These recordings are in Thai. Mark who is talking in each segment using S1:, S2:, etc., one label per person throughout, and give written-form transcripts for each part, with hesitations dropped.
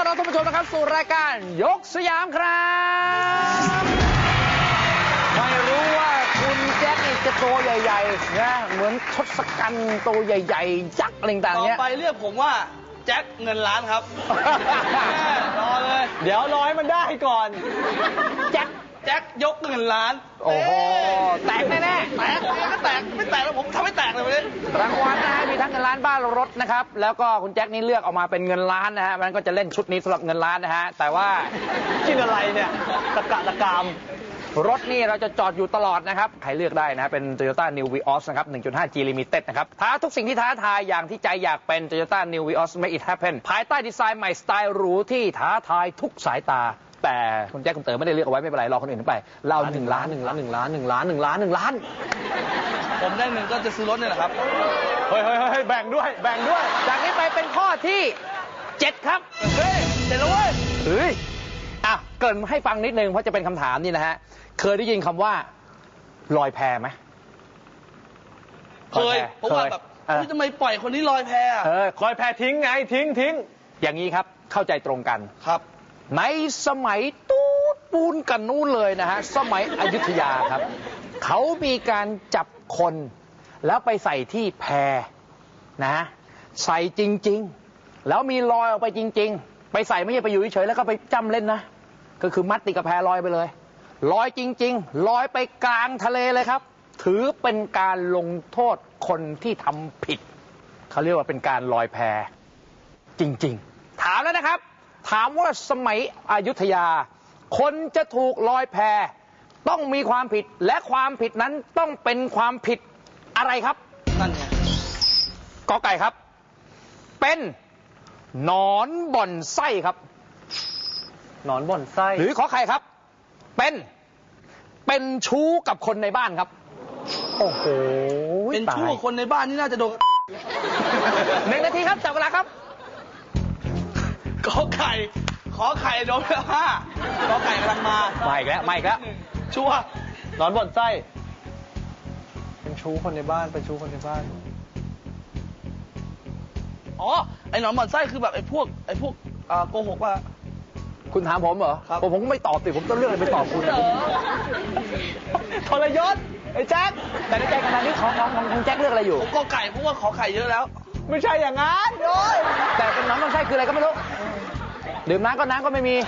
S1: อนรับท่านผู้ชมนะครับสู่รายการยกสยามครับไม่รู้ว่าคุณแจ็คนี่จะตัวใหญ่ๆนะเหมือนทศกัณฐ์ตัวใหญ่ๆยักษ์อะไรต่างๆเนี้ย
S2: ต่อไปเรียกผมว่าแจ็คเงินล้านครับ รอเลย
S3: เดี๋ยวรอให้มันได้ก่อน
S2: แจ็คยกเงินล้าน
S1: โอ้โหแตกแน่
S2: ๆแตกก็แตกไม่แตกแล้วผมทำให้แตกเลยวันนี้
S1: รางวัลนะฮะมีทั้งเงินล้านบ้านรถนะครับแล้วก็คุณแจ็คนี่เลือกออกมาเป็นเงินล้านนะฮะมันก็จะเล่นชุดนี้สำหรับเงินล้านนะฮะแต่ว่า
S3: กินอะไรเนี่ยตะกะตะกาม
S1: รถนี่เราจะจอดอยู่ตลอดนะครับใครเลือกได้นะเป็น Toyota New Vios นะครับ 1.5G Limited นะครับท้าทุกสิ่งที่ท้าทายอย่างที่ใจอยากเป็น Toyota New Vios Make It Happen ภายใต้ดีไซน์ใหม่สไตล์หรูที่ท้าทายทุกสายตาแต่คุณแจ็คคุณเต๋อไม่ได้เลือกเอาไว้ไม่เป็นไรรอคนอื่นไปเรา1 ล้าน
S2: ผมได้1ก็จะซื้อรถนี่แหละครับ
S3: เฮ้ยแบ่งด้วย
S1: จากนี้ไปเป็นข้อที่7ครับ
S2: เฮ้ยเจ็ดแล้วเว้ย
S1: เฮ้ยอ่ะเกริ่นให้ฟังนิดนึงเพราะจะเป็นคำถามนี่นะฮะเคยได้ยินคำว่าลอยแพไหม
S2: เคยเพราะว่าแบบทำไมปล่อยคนนี้ลอยแพ
S3: ลอยแพทิ้งไงทิ้ง
S1: อย่างนี้ครับเข้าใจตรงกัน
S2: ครับ
S1: ในสมัยตูดปูนกันนู้นเลยนะฮะสมัยอยุธยาครับเขามีการจับคนแล้วไปใส่ที่แพนะใส่จริงๆแล้วมีลอยออกไปจริงๆไปใส่ไม่ใช่ไปอยู่เฉยๆแล้วก็ไปจ้ำเล่นนะก็คือมัดติดกับแพลอยไปเลยลอยจริงๆลอยไปกลางทะเลเลยครับถือเป็นการลงโทษคนที่ทำผิดเขาเรียกว่าเป็นการลอยแพจริงๆถามแล้วนะครับถามว่าสมัยอยุธยาคนจะถูกลอยแพต้องมีความผิดและความผิดนั้นต้องเป็นความผิดอะไรครับ
S2: นั่นไง
S1: กอไก่ครับเป็นหนอนบ่อนไส้ครับ
S3: หนอนบ่อนไส้
S1: หรือขอไข่ครับเป็นชู้กับคนในบ้านครับโอ้โห
S2: เป็นชู้กับคนในบ้านนี่น่าจะโดน
S1: 1 นาทีครับจับเวลาครับ
S2: ขอไข่โดนไป5ขอไข่กำลังมา
S1: ไม่อีกแล้ว
S2: ชัวร์
S3: หนอนบ่อนไส้เป็นชู้คนในบ้าน
S2: อ๋อไอ้หนอนบ่อนไส้คือแบบไอ้พวกโกหกว่า
S1: คุณถามผมเหรอ
S2: ครับ
S1: ผมก็ไม่ตอบสิผมต้องเลือกอะไรไปตอบคุณ
S3: ทรยศไอ้แจ็ค
S1: แต่ในใจขณะนี้ของแจ็คเลือกอะไรอยู่
S2: ผมก็ไก่เพราะว่าขอไข่เยอะแล้ว
S3: ไม่ใช่อย่างนั้นโอ้ย
S1: แต่เป็นน้ำต้องใช่คืออะไรก็ไม่รู้ดื่มน้ำก็ไม่มี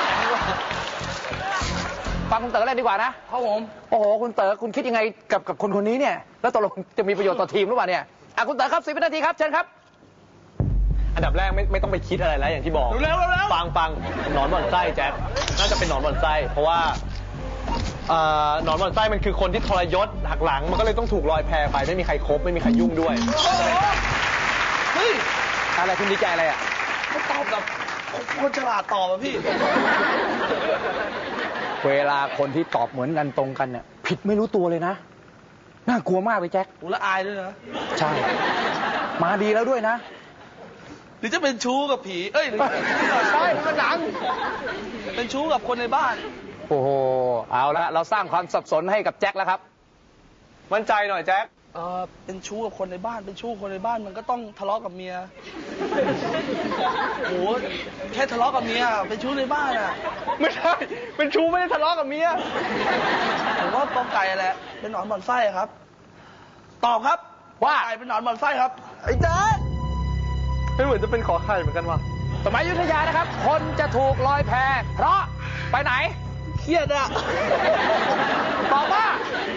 S1: ฟังคุณเต๋อเลยดีกว่านะครับ
S2: ผม
S1: โอ้โหคุณเต๋อคุณคิดยังไงกับคนนี้เนี่ยแล้วตกลงจะมีประโยชน์ต่อทีมหรือเปล่าเนี่ยคุณเต๋อครับ10 วินาทีครับเชิญครับ
S3: อันดับแรกไม่ต้องไปคิดอะไรแล้วอย่างที่บอก
S2: เร็ว
S3: ฟังหนอนบ่อนไส้แจ็คน่าจะเป็นหนอนบ่อนไส้เพราะว่าหนอนบ่อนไส้มันคือคนที่ทรยศหักหลังมันก็เลยต้องถูกลอยแพไปไม่มีใครคบไม่มีใครยุ่งด้วย
S2: เฮ้ย
S1: อะไรคุณดีใจอะไร
S2: เขาตอบแบบคนฉลาดตอบอะพี่
S1: เวลาคนที่ตอบเหมือนกันตรงกันเนี่ยผิดไม่รู้ตัวเลยนะน่ากลัวมากเลยแจ็ค
S2: และอายด้วยนะ
S1: ใช่มาดีแล้วด้วยนะ
S2: หรือจะเป็นชู้กับผีใช่มันหนังเป็นชู้กับคนในบ้าน
S1: โอ้โหเอาละเราสร้างความสับสนให้กับแจ็คแล้วครับ
S3: มั่นใจหน่อยแจ็ค
S2: เป็นชู้กับคนในบ้านเป็นชู้คนในบ้านมันก็ต้องทะเลาะกับเมียโอ้แค่ทะเลาะกับเมียเป็นชู้ในบ้านอ่ะ
S3: ไม่ใช่เป็นชู้ไม่ได้ทะเลาะกับเมีย
S2: ผมว่ากอไก่แหละเป็นหนอนบ่อนไส้ครับตอบครับ
S1: ว่า
S2: ไก่เป็นหนอนบ่อนไส้ครับ
S3: ไอ้แจ็คไม่เหมือนจะเป็นขอไข่เหมือนกันว่ะ
S1: สมัยอยุธยานะครับคนจะถูกลอยแพเพราะไปไหน
S2: เครียดอ่ะ
S1: ตอบว่า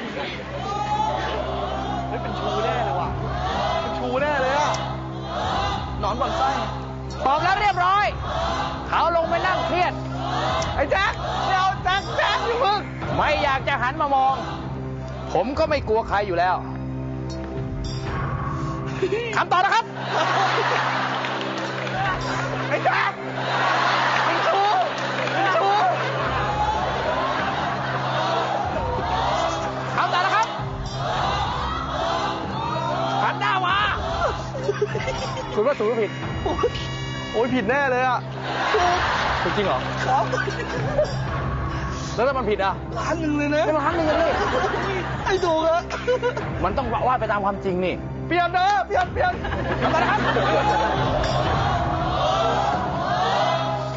S2: เป็นชูแน่เลยว่ะเป็นชูแน่เลยอ่ะหนอนบ่อนไส้
S1: ตอบแล้วเรียบร้อยเขาลงไปนั่งเครียด
S3: ไอ้แจ็คไม่เอาแจ็คอยู่มึง
S1: ไม่อยากจะหันมามองผมก็ไม่กลัวใครอยู่แล้วคำตอบนะครับ
S3: ไอ้แจ็คเป็นชู
S1: คำตอบนะครับหันหน้ามาคุณว่าถูกหรือผิด
S3: โอ้ยผิดแน่เลยอ่ะถูกจริงเหรอ
S2: ครับ
S1: แล้วถ้ามันผิดอ่ะ
S2: 1,000,000เลยนะ
S1: 1,000,000เลย
S2: ไอ้ถูกอะ
S1: มันต้องว่าไปตามความจริงนี่
S3: เปลี่ยนทำไมนะครับ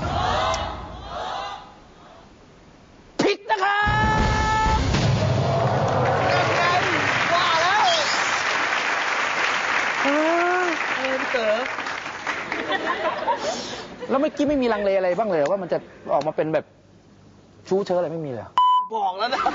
S2: พี่เต๋อ
S1: แล้วเมื่อกี้ไม่มีลังเลอะไรบ้างเลยว่ามันจะออกมาเป็นแบบชู้เชิญอะไรไม่มีเลยเหรอ
S2: บอกแล้วนะ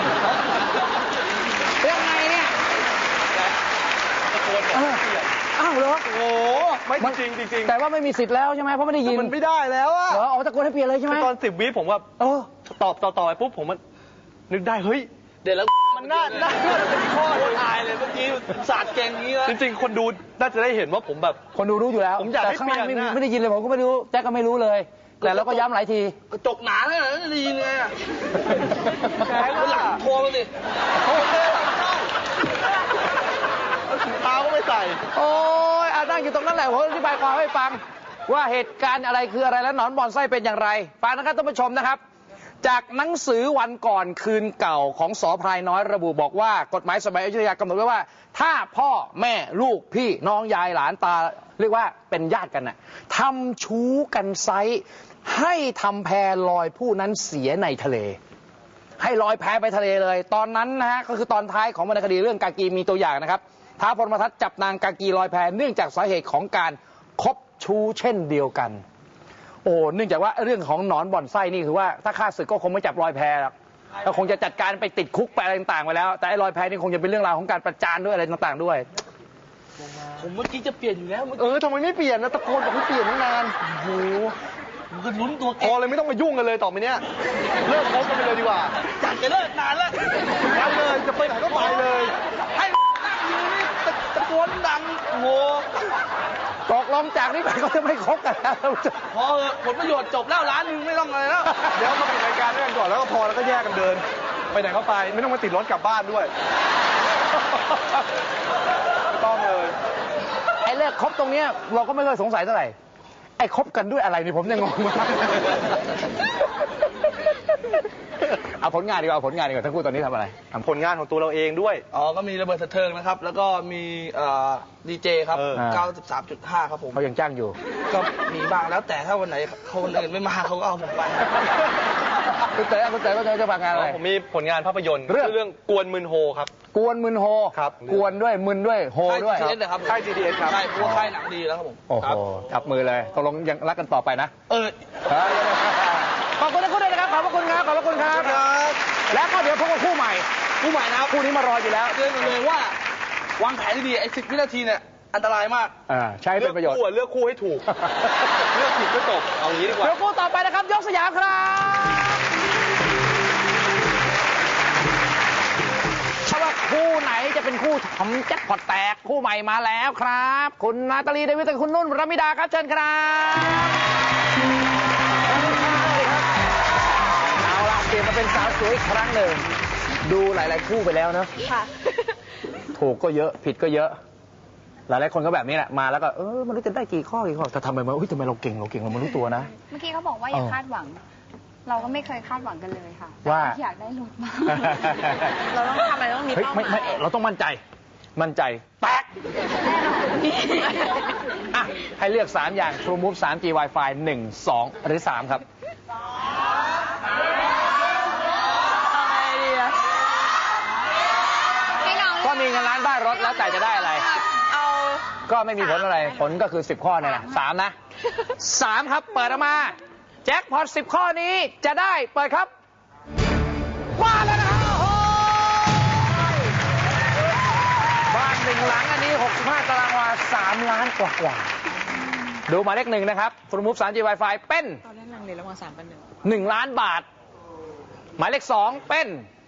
S1: ยังไงเนี่ย
S2: ตะโกนบอกเปลี่ยน
S1: อ้าวเหรอ
S3: โอ้ไม่จริงจริง
S1: แต่ว่าไม่มีสิทธิ์แล้วใช่ไหมเพราะไม่ได้ยิน
S3: มันไม่ได้แล้วอะ
S1: เหรอเอาตะโกนให้เปลี่ยนเลยใช่ไหม
S3: ตอน10 วิผมว่า
S1: เออ
S3: ตอบต่อไปปุ๊บผมมันนึกได้เฮ้ย
S2: เดี๋ยวแล้ว
S3: มันน่าจะเป็นข้อ
S2: โคตรอายเลยเมื่อกี้สาดเก่งอย่างนี้แล้ว
S3: จริงๆ คนดูน่าจะได้เห็นว่าผมแบบ
S1: คนดูรู้อยู่แล้ว
S3: ผมอยาก
S1: แต่
S3: ให้
S1: ข้างล่าง
S3: เปลี่ยนนะ
S1: ไม่ได้ยินเลยผมก็ไม่รู้แจ็คก็ไม่รู้เลย แต่เราก็ย้ำหลายที
S2: กระจกหนาเลยนะจะได้ยินไงอะ
S3: ใช่
S2: คนหลังโทรมาสิ
S3: โอเคถุงเท้าก็ไม่ใส่
S1: โอ้ยนั่งอยู่ตรงนั้นแหละผมอธิบายความให้ฟัง ว่าเหตุการณ์อะไรคืออะไรและหนอนบ่อนไส้เป็นอย่างไรฟังนะครับท่านผู้ชมนะครับ จากหนังสือวันก่อนคืนเก่าของส.พรายน้อยระบุบอกว่ากฎหมายสมัยอยุธยากำหนดไว้ว่า ถ้าพ่อแม่ลูกพี่น้องยายหลานตาเรียกว่าเป็นญาติกันน่ะทำชู้กันไซให้ทำแพลอยผู้นั้นเสียในทะเล ให้ลอยแพไปทะเลเลย ตอนนั้นนะฮะก็คือตอนท้ายของวรรณคดีเรื่องกากีมีตัวอย่างนะครับท้าวพรหมทัตจับนางกากีลอยแพเนื่องจากสาเหตุของการคบชู้เช่นเดียวกัน โอ้เนื่องจากว่าเรื่องของหนอนบ่อนไส้นี่คือว่าถ้าฆ่าศึกก็คงไม่จับลอยแพหรอกก็คงจะจัดการไปติดคุกไปอะไรต่างๆไปแล้ว แต่ไอ้ลอยแพนี่คงจะเป็นเรื่องราวของการประจานด้วยอะไรต่างๆด้วย
S2: ผมเมื่อกี้จะเปลี่ยนอยู่แล้วเมื่อ
S3: เอ
S2: กี้
S3: อทำไมไม่เปลี่ยนนะตะโกนบอกให้เปลี่ยนตั้งนาน
S2: โอ้โหผมก็ลุ้นตัว
S3: พ
S2: เก่
S3: อง เลยไม่ต้องมายุ่งกันเลยต่อไปเนี้ยเลิกคบกันไปเลยดีกว่า
S2: อยากจะเลิกนานแล้ว
S3: ไปเลยจะไปไหนก็ไปเลย
S2: ให้นั่งอยู่นี่ตะโกนดังโอ้โห
S1: ตกลงจากนี้ไปก็จะไม่คบกันแล้ว
S2: พอเถอะผลประโยชน์จบแล้วร้านหนึงไม่ต้องอะไรแล้ว
S3: เดี๋ยวมาปิดรายการด้วยกันก่อนแล้วก็พอแล้วก็แยกกันเดิน ไปไหนก็ไปไม่ต้องมาติดรถกลับบ้านด้วยไม่ต้องเลย
S1: ไอ้เลิกคบตรงเนี้ยเราก็ไม่เคยสงสัยเท่าไหร่ไอ้คบกันด้วยอะไรนี่ผมยังงงมากเอาผลงานดีกว่าเอาผลงานดีกว่าทั้งคู่ตอนนี้ทำอะไร
S3: ผลงานของตัวเราเองด้วย
S2: อ๋อก็มีระเบิดสะเทิงนะครับ แล้วก็มีดีเจครับ
S3: เออ
S2: 93.5 ครับผม
S1: เขายังจ้างอยู่
S2: ก็มีบ้างแล้วแต่ถ้าวันไหนคนอื่นไม่มาเขาก็เอาผมไป
S1: คุณเต๋อก็จะฝากงานอะไร
S3: ผมมีผลงานภาพยนตร์
S1: เรื่อง
S3: ชื่อเรื่องกวนมึนโฮครับ
S1: กวนมึนโฮ
S3: ครับ
S1: กวนด้วยมึนด้วยโฮ
S2: ค่าย
S1: ด้วย
S2: GTS นะครับ
S3: ค่าย GTS ครับ
S2: ใช่เพราะว่าค่ายหนังดีแล้วครับผม
S1: โอ้โห
S2: ครับ
S1: จับมือเลยตกลงยังรักกันต่อไปนะ
S2: เออ
S1: ขอบคุณทั้งคู่ด้วยนะครับขอบพระคุณครับขอบพระคุณครับ แล้วก็เดี๋ยวพบกับคู่ใหม่
S2: ผู้ใหม่นะครับ
S1: คู่นี้มารออยู่แล้ว
S2: เตือนกันเลยว่าวางแผนดีๆไอ้10 วินาทีเนี่ยอันตรายมาก
S1: ใช้เป็นประโยชน์
S3: เลือกคู่ให้ถูก เลือกผิดก็จบเอางี้ดีกว่า
S1: เดี๋ยวคู่ต่อไปนะครับ ยกสยามครับถ้าว่าคู่ไหนจะเป็นคู่ทำแจ็คพอตแตกคู่ใหม่มาแล้วครับ คุณนาตาลีเดวิดกับคุณนุ่นรมิดาครับเชิญครับเอาล่ะเปลี่ยนมาเป็นสาวสวยอีกครั้งหนึ่งดูหลายๆคู่ไปแล้วเนอะ
S4: ค่ะ
S1: ถูกก็เยอะผิดก็เยอะ หลายๆคนก็แบบนี้แหละมาแล้วก็มันรู้จะได้กี่ข้อแต่ทำไมมาทำไมเราเก่งเราไม่รู้ตัวนะ
S4: เมื่อกี้เขาบอกว่าอย่าคาดหวัง เราก็ไม่เคยคาดหวังกันเลยค่ะ
S1: ว่า
S4: แต่อยากได้รถมาก เราต้องทำอะไรต้องมี
S1: เฮ้ย
S4: เป้าห
S1: ไม่
S4: มาย
S1: เราต้องมั่นใจแตก
S4: แน่นอน
S1: อ่ะให้เลือก 3 อย่าง True Move 3G Wi-Fi 1 2 หรือ 3 ครับ
S4: ให้น้อง
S1: ก็มีเงินล้านได้รถแล้วแต่จะได้อะไร
S4: เอา
S1: ก็ไม่มีผลอะไรผลก็คือ 10 ข้อเนี่ยนะ3 นะ 3 ครับเปิดออกมาแจ็คพอต10 ข้อนี้จะได้เปิดครับมาแล้วนะครับโอ้โหบ้าน1 หลังอันนี้65ตารางวา3 ล้านกว่าดูหมายเลข 1 นะครับ True Move 3G Wi-Fi เป็น
S4: ตอนแรกลังเลระหว่าง3 กับ
S1: 1 ล้านบาท หมายเลข 2 เป็น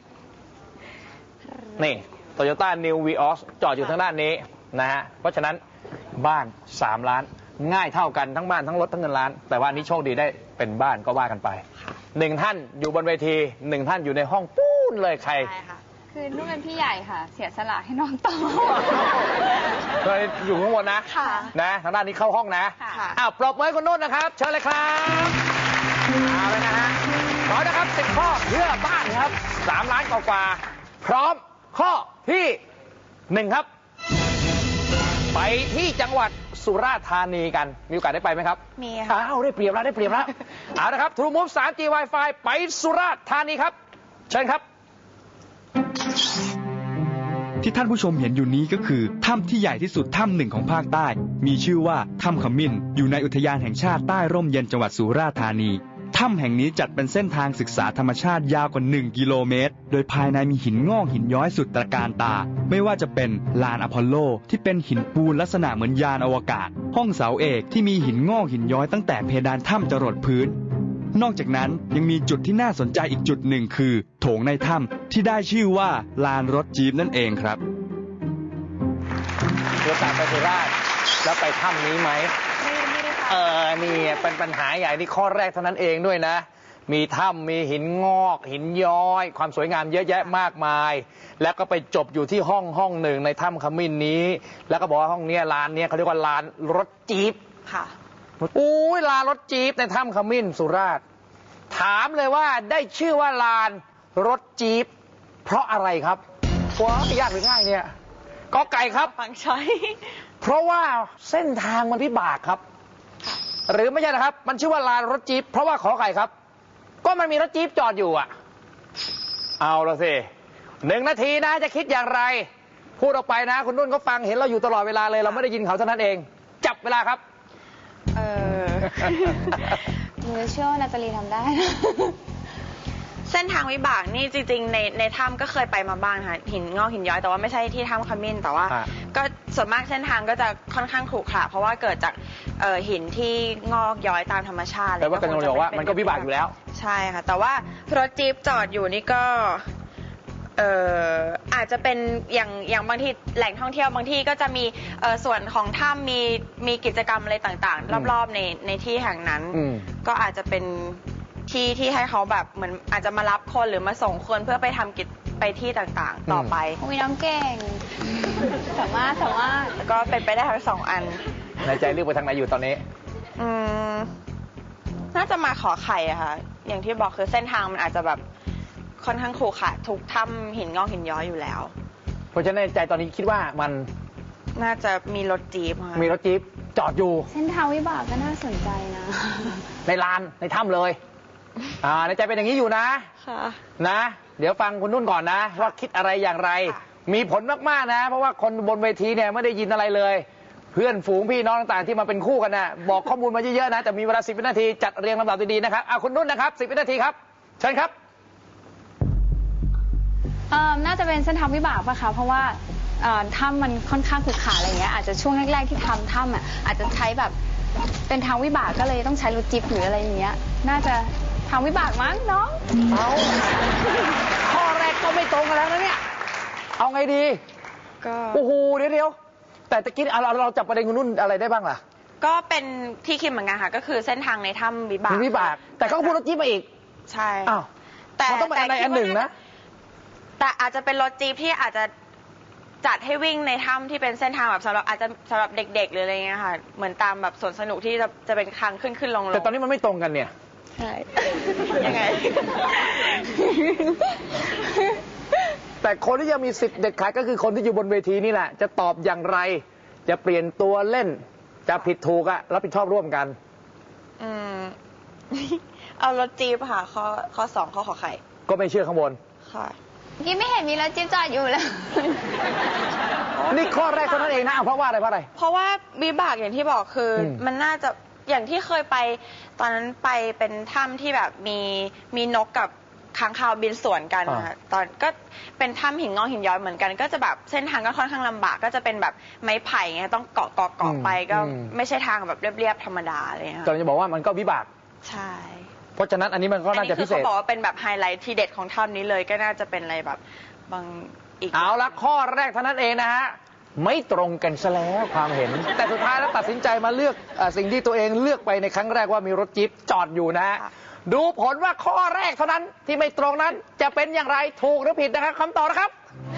S1: นี่ Toyota New Vios จอดอยู่ทางด้านนี้นะฮะ เพราะฉะนั้นบ้าน 3 ล้าน ง่ายเท่ากันทั้งบ้านทั้งรถทั้งเงินล้าน แต่ว่าอันนี้โชคดีได้เป็นบ้านก็ว่ากันไป 1 ท่านอยู่บนเวที 1 ท่านอยู่ในห้องปู้นเลยใคร
S4: 1ใช่ค่ะ คือนุ่นเป็นพี่ใหญ่ค่ะ เสียสละให้น้องต่อ
S1: เคยอยู่ข้างบนนะ
S4: ค่ะ
S1: นะทางด้านนี้เข้าห้องนะ
S4: ค่ะ
S1: อ้าวปรบมือให้คุณนุ่นนะครับ เชิญเลยครับเอาเลยนะฮะขอนะครับ10 ข้อเพื่อบ้านครับ 3 ล้านกว่าๆพร้อมข้อที่ 1 ครับ ไปที่จังหวัดสุราษฎร์ธานีกัน มีโอกาสได้ไปไหมครับ
S4: มีค่ะ
S1: อ้าวได้เปรียบแล้วเอาละครับ True Move 3G Wi-Fi ไปสุราษฎร์ธานีครับ เชิญครับ
S5: ที่ท่านผู้ชมเห็นอยู่นี้ก็คือถ้ำที่ใหญ่ที่สุดถ้ำหนึ่งของภาคใต้ มีชื่อว่าถ้ำขมิ้นอยู่ในอุทยานแห่งชาติใต้ร่มเย็นจังหวัดสุราษฎร์ธานีถ้ำแห่งนี้จัดเป็นเส้นทางศึกษาธรรมชาติยาวกว่า1 กิโลเมตรโดยภายในมีหินงอกหินย้อยสุดตระการตาไม่ว่าจะเป็นลานอพอลโลที่เป็นหินปูนลักษณะเหมือนยานอวกาศห้องเสาเอกที่มีหินงอกหินย้อยตั้งแต่เพดานถ้ำจรดพื้นนอกจากนั้นยังมีจุดที่น่าสนใจอีกจุดหนึ่งคือโถงในถ้ำที่ได้ชื่อว่าลานรถจี๊ปนั่นเองครับ
S1: เดี๋ยวตามไปสุราษฎร์แล้วไปถ้ำนี้ไหมนี่เป็นปัญหาใหญ่นี่ข้อแรกเท่านั้นเองด้วยนะ มีถ้ำมีหินงอกหินย้อย ความสวยงามเยอะแยะมากมาย แล้วก็ไปจบอยู่ที่ห้องหนึ่งในถ้ำขมิ้นนี้ แล้วก็บอกว่าห้องเนี้ยลานเนี้ยเขาเรียกว่าลานรถจี๊ป
S4: ค่ะ
S1: อุ้ยลานรถจี๊ปในถ้ำขมิ้นสุราษฎร์ถามเลยว่าได้ชื่อว่าลานรถจี๊ปเพราะอะไรครับว้ายากหรือง่ายเนี่ยกอไก่ครับ
S4: ฟังช้อย
S1: เพราะว่าเส้นทางมันพิบากครับหรือไม่ใช่นะครับมันชื่อว่าลานรถจี๊ปเพราะว่าขอไข่ครับก็มันมีรถจี๊ปจอดอยู่อ่ะเอาละสิ1 นาทีนะจะคิดอย่างไรพูดออกไปนะคุณนุ่นเขาฟังเห็นเราอยู่ตลอดเวลาเลยเราไม่ได้ยินเขาเท่านั้นเองจับเวลาครับ
S4: หนูเชื่อว่านาตาลีทำได้
S6: เส้นทางวิบากนี่จริงๆในถ้ำก็เคยไปมาบ้างค่ะหินงอกหินย้อยแต่ว่าไม่ใช่ที่ถ้ำขมิ้นแต่ว่าก็ส่วนมากเส้นทางก็จะค่อนข้างขรุขระเพราะว่าเกิดจากหินที่งอกย้อยตามธรรมชาติ
S1: แต่ว่ากันบอกว่ามันก็วิบากอยู่แล้ว
S6: ใช่ค่ะแต่ว่ารถจี๊ปจอดอยู่นี่ก็อาจจะเป็นอย่างบางทีแหล่งท่องเที่ยวบางที่ก็จะมีส่วนของถ้ำมีกิจกรรมอะไรต่างๆรอบๆในที่แห่งนั้นก็อาจจะเป็นที่ให้เขาแบบเหมือนอาจจะมารับคนหรือมาส่งคนเพื่อไปทำกิจไปที่ต่างๆต่อไป
S4: อุ้ยน้องเก่งสามารถ
S6: แล้วก็เป็นไปได้ทั้ง2 อัน
S1: ในใจเลือกไปทางไหนอยู่ตอนนี้
S6: น่าจะมาขอไข่อะค่ะอย่างที่บอกคือเส้นทางมันอาจจะแบบค่อนข้างขรุขระทุกถ้ำหินงอกหินย้อยอยู่แล้ว
S1: เพราะฉะนั้นในใจตอนนี้คิดว่ามัน
S6: น่าจะมีรถจี๊ป
S1: มีรถจี๊ปจอดอยู่
S4: เส้นทางวิบากก็น่าสนใจนะ
S1: ในลานในถ้ำเลยในใจเป็นอย่างนี้อยู่นะนะเดี๋ยวฟังคุณนุ่นก่อนนะว่าคิดอะไรอย่างไรมีผลมากๆนะเพราะว่าคนบนเวทีเนี่ยไม่ได้ยินอะไรเลยเพื่อนฝูงพี่น้องต่างๆที่มาเป็นคู่กันนะบอกข้อมูลมาเยอะๆนะแต่มีเวลา10 วินาทีจัดเรียงลำดับดีๆนะครับคุณนุ่นนะครับ10 วินาทีครับเชิญครับ
S4: น่าจะเป็นเส้นทางวิบากป่ะคะเพราะว่าถ้ำมันค่อนข้างขรุขระอะไรเงี้ยอาจจะช่วงแรกๆที่ทำถ้ำอาจจะใช้แบบเป็นทางวิบากก็เลยต้องใช้รถจิ๊บหรืออะไรอย่างเงี้ยน่าจะทางวิบากมั้งน้อง
S1: ข้อแรกก็ไม่ตรงกันแล้วนะเนี่ยเอาไงดี
S6: ก็
S1: โอ้โหเดี๋ยวแต่ตะกี้เราจับประเด็นคุณนุ่นอะไรได้บ้างล่ะ
S6: ก็เป็นที่คิดเหมือนกันค่ะก็คือเส้นทางในถ้ำวิบาก
S1: แต่เขาก็พูดรถจี๊ปมาอีก
S6: ใช่
S1: แต่ต้องเป็นอะไรอันหนึ่งนะ
S6: แต่อาจจะเป็นรถจี๊ปที่อาจจะจัดให้วิ่งในถ้ำที่เป็นเส้นทางแบบอาจจะสำหรับเด็กๆหรืออะไรเงี้ยค่ะเหมือนตามแบบสวนสนุกที่จะเป็นทางขึ้นลง
S1: แต่ตอนนี้มันไม่ตรงกันเนี่ย
S6: ใช่ยังไง
S1: แต่คนที่ยังมีสิทธิ์เด็ดขาดก็คือคนที่อยู่บนเวทีนี่แหละจะตอบอย่างไรจะเปลี่ยนตัวเล่นจะผิดถูกรับผิดชอบร่วมกัน
S6: เอารถจี๊ปค่ะข้อ2ข้อขอไข่
S1: ก็ไม่เชื่อข้างบน
S6: ค่ะ
S4: ยี่ไม่เห็นมีรถจิ๊บจอดอยู่เลย
S1: นี่ข้อแรกเท่านั้นเองนะเพราะว่าอะไร
S6: เพราะว่าวิบากอย่างที่บอกคือมันน่าจะอย่างที่เคยไปตอนนั้นไปเป็นถ้ำที่แบบมีนกกับค้างคาวบินสวนกันค่ะตอนก็เป็นถ้ำหินงอกหินย้อยเหมือนกันก็จะแบบเส้นทางก็ค่อนข้างลำบากก็จะเป็นแบบไม้ไผ่ไงต้องเกาะไปก็ไม่ใช่ทางแบบเรียบๆธรรมดาเลยค่ะ
S1: ตอนจะบอกว่ามันก็วิบาก
S6: ใช่
S1: เพราะฉะนั้นอันนี้มันก็น่าจะพิเศษ
S6: เขาบอกว่าเป็นแบบไฮไลท์ที่เด็ดของถ้ำนี้เลยก็น่าจะเป็นอะไรแบบบางอีก
S1: เอาละข้อแรกเท่านั้นเองนะฮะไม่ตรงกันซะแล้วความเห็นแต่สุดท้ายแล้วตัดสินใจมาเลือกสิ่งที่ตัวเองเลือกไปในครั้งแรกว่ามีรถจี๊ปจอดอยู่นะฮะดูผลว่าข้อแรกเท่านั้นที่ไม่ตรงนั้นจะเป็นอย่างไรถูกหรือผิดนะครับคำตอบนะครับ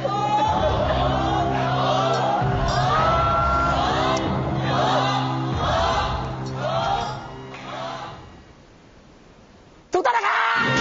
S1: ถูกต้องนะครับ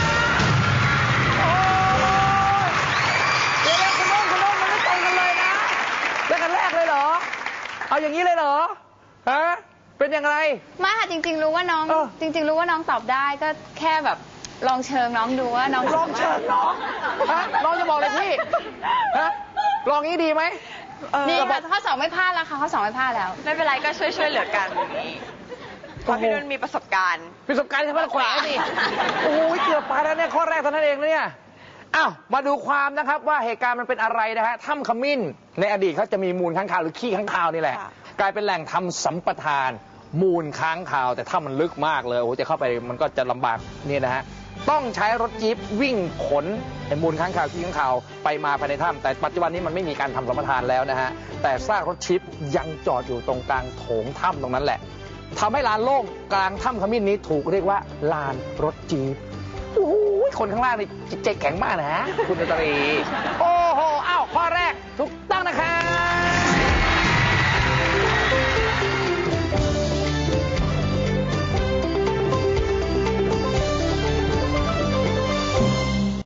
S1: เดี๋ยวคุณน้องมันไม่ตรงกันเลยนะแล้วกันแรกเลยเหรอเอาอย่างนี้เลยเหรอฮะเป็นยังไง
S4: ไม่ค่ะจริงๆรู้ว่าน้องรู้ว่าน้องตอบได้ก็แค่แบบลองเชิงน้องดูว่าน้อง
S1: ลองเชิงน้องฮะน้องจะบอกเลยพี่ฮะลองนี้ดีไหม
S4: นี่ค่ะข้อ2ไม่พลาดแล้วค่ะข้อ2ไม่พลาดแล้ว
S6: ไม่เป็นไรก็ช่วยเหลือกันเพราะพี่นุ่นมีประสบการณ์
S1: ประสบการณ์ใช่ไหมล่ะแขวะนี่โอ้ยเกือบไปแล้วเนี่ยข้อแรกเท่านั้นเองนะเนี่ยอ้าวมาดูความนะครับว่าเหตุการณ์มันเป็นอะไรนะฮะถ้ำขมิ้นในอดีตเขาจะมีมูลค้างคาวหรือขี้ค้างคาวนี่แหละ
S6: ค่ะ
S1: กลายเป็นแหล่งทำสัมปทานมูลค้างคาวแต่ถ้ามันลึกมากเลยโอ้โหจะเข้าไปมันก็จะลำบากนี่นะฮะต้องใช้รถจี๊ปวิ่งขนไอ้มูลค้างคาวขี้ค้างคาวไปมาภายในถ้ำแต่ปัจจุบันนี้มันไม่มีการทำสัมปทานแล้วนะฮะแต่ซากรถจี๊ปยังจอดอยู่ตรงกลางโถงถ้ำตรงนั้นแหละทำให้ลานโล่งกลางถ้ำขมิ้นนี้ถูกเรียกว่าลานรถจี๊ปโอ้โหคนข้างล่างนี่จิตใจแข็งมากนะฮะคุณดนตรีโอ้โหอ้าวข้อแรกทุก